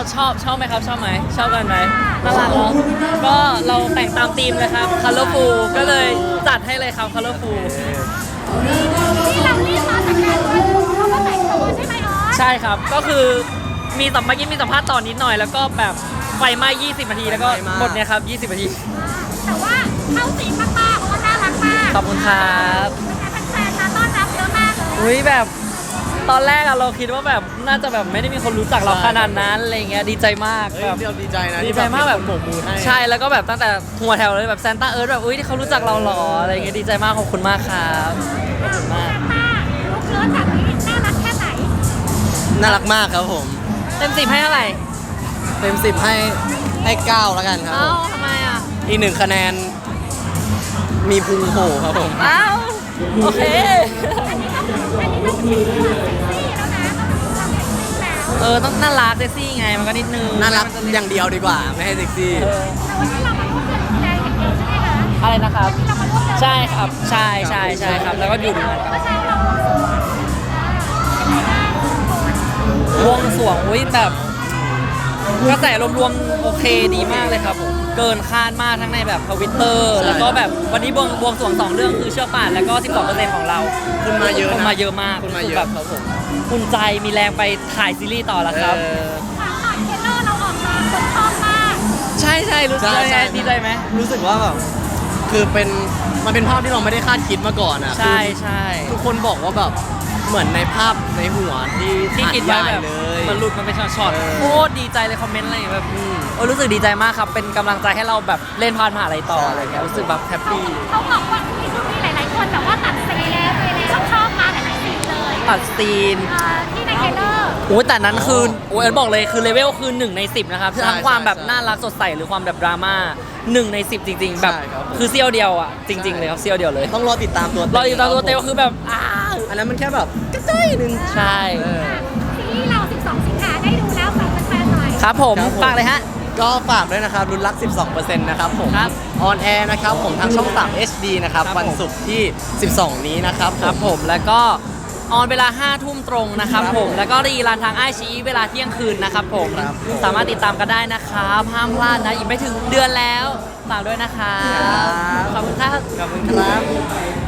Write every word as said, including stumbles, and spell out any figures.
ชอบชอบไหมครับชอบไหมชอบกันไหมน่ารักเนาะก็เราแต่งตามธีมเลยครับ Colorful ก็เลยจัดให้เลยครับ Colorful ที่เรารีบมาจากงานด้วยเราก็แต่งตัวใช่ไหมอ๋อใช่ครับก็คือมีสัมเมื่อกี้มีสัมภาษณ์ต่อนนิดหน่อยแล้วก็แบบไฟไหม้ยี่สิบนาทีแล้วก็หมดเนี่ยครับยี่สิบนาทีแต่ว่าเข้าสีมากๆเพราะว่าน่ารักมากขอบคุณครับเป็นแฟนๆมาต้อนรับเยอะมากเลยอุ้ยแบบตอนแรกอะเราคิดว่าแบบน่าจะแบบไม่ได้มีคนรู้จักเราขนาดนั้นอะไรเงี้ยดีใจมากเฮ้ยแบบเดี๋ยวดีใจนะดีใจมากแบบโบกมือให้ใช่แล้วก็แบบตั้งแต่หัวแถวเลยแบบแซนต้าเอิร์ธแบบอุ้ยที่เขารู้จักเราหรออะไรเงี้ยดีใจมากขอบคุณมากครับขอบคุณมากป้าลูกเลิศแบบนี้น่ารักแค่ไหนน่ารักมากครับผมเต็มสิบให้เท่าไหร่เต็มสิบให้ให้เก้าแล้วกันครับเอ้าผมทำไมอะอีกหนึ่งคะแนนมีพุงโผล่ครับผมเอ้าโอเคอันนี้ต้องอันนี้ต้องเป็นตัวเซ็กซี่แล้วนะต้องเป็นตัวเซ็กซี่แล้วเออต้องน่ารักเซ็กซี่ไงมันก็นิดนึงน่ารักอย่างเดียวดีกว่าไม่ให้เซ็กซี่เออแต่วันนี้เรามาร่วมเดินแดงอย่างเดียวใช่ไหมคะอะไรนะครับวันนี้เรามาร่วมเดินใช่ครับใช่ใช่ใช่ครับแล้วก็อยู่ดูงานกันเมื่อเช้าเราบวงสรวงเป็นไงบ้างวงสรวงอุ้ยแบบกระแสรวมๆโอเคดีมากเลยครับผมเกินคาดมากทั้งในแบบทวิตเตอร์แล้วก็แบบวันนี้บวงบวงสรวงสองเรื่องคือเชือกป่านแล้วก็ สิบสองเปอร์เซ็นต์ ของเราคุณมาเยอะคนนะมาเยอะมากคุณมารู้สึเยกอะแบบครับผมอุ่นใจมีแรงไปถ่ายซีรีส์ต่อแล้วครับเออฝากหน่อยเทรลเลอร์เราออกมาคนชอบมากใช่ใช่รู้สึกใช่ยังไงใช่ดีใจไหมรู้สึกว่าแบบคือเป็นมันเป็นภาพที่เราไม่ได้คาดคิดมาก่อนอ่ะใช่ใช่ทุกคนบอกว่าแบบเหมือนในภาพในหัวที่ที่คิดไว้แบบเลยมันหลุดมันเป็นช็อตเออๆโคตรดีใจเลยคอมเมนต์อะไรอย่างเงี้ยแบบอืมโอ้รู้สึกดีใจมากครับเป็นกำลังใจให้เราแบบเล่นพานมหาลัยต่ออะไรเงี้ยรู้สึกแบบแฮปปี้เขาบอกว่ามีช่วงนี้หลาย ๆ คนแบบว่าตัดซีนแล้วไปแล้วชอบมาหลาย ๆ ซีนเลยตัดซีนเอ่อที่ในเทรลเลอร์โอ้ยแต่นั้นคือโอ้ยเอิร์ธบอกเลยคือเลเวลคือหนึ่งในสิบนะครับใช่ทั้งความแบบใช่น่ารักสดใสหรือความแบบดราม่าหนึ่งในสิบจริง ๆ แบบใช่ครับผมคือเซี่ยวเดียวอ่ะจริง ๆ เลยครับเซี่ยวเดียวเลยต้องรอติดตามตัวรออยู่ตามตัวเตลคือแบบอ้าวอันนั้นมันแค่แบบกระจ้อยหนึ่งใช่เออซีรีส์เรา สิบสอง สิงหาได้ดูแล้วฝากแฟนๆหน่อยครับผมครับผมฝากเลยฮะก็ฝากด้วยนะครับรุนรัก สิบสองเปอร์เซ็นต์ นะครับผมครับออนแอร์นะครับผมทางช่อง สาม เอช ดี นะครับครับวันผมศุกร์ที่ สิบสอง นี้นะครับครับผมแล้วก็ออนเวลาห้าทุ่มตรงนะครับครับผผม มแล้วก็รีรันทางไอชีเวลาเที่ยงคืนนะครับผมครับผมสามารถติดตามกันได้นะครับห้ามพลาดนะอีกไม่ถึงเดือนแล้วฝากด้วยนะครับครับขอบคุณครับขอบคุณครับ